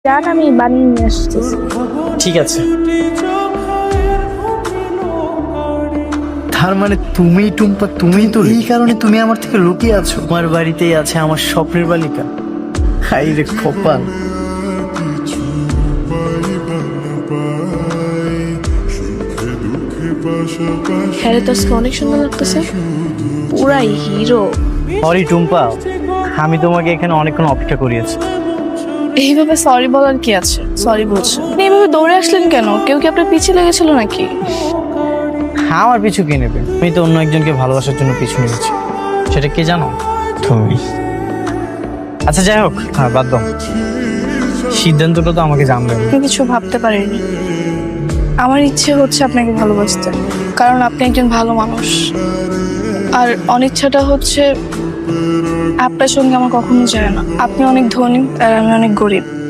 জান আমি বানিয়ে নিয়ে আসতেছি। ঠিক আছে। তার মানে তুমি টুম্পা, তুমি তো এই কারণে তুমি আমার থেকে লুকিয়ে আছো। তোমার বাড়িতেই আছে আমার স্বপ্নের বালিকা। হাই রে কপাল। হ্যাঁ রে, তো আজকে অনেক সুন্দর লাগতেছে, পুরাই হিরো। সরি টুম্পা, আমি তোমাকে এখানে অনেকক্ষণ অপেক্ষা করিয়েছি। এইভাবে সরি বলার কি আছে? সরি বলছো, আপনি এইভাবে দৌড়ে আসলেন কেন? কেউ কি আপনার পিছিয়ে লেগেছিল নাকি? আমার পিছু কে নেবে? আমি তো অন্য একজনকে ভালোবাসার জন্য পিছু নিয়েছি। সেটা কে জানো? তুমি। আচ্ছা যাই হোক, বাদ দাও। সিদ্ধান্তটা তো আমাকে জানবে। আমি কিছু ভাবতে পারিনি। আমার ইচ্ছে হচ্ছে আপনাকে ভালোবাসতে, কারণ আপনি একজন ভালো মানুষ। আর অনিচ্ছাটা হচ্ছে আপনার সঙ্গে আমার কখনো যায় না। আপনি অনেক ধনী আর আমি অনেক গরিব।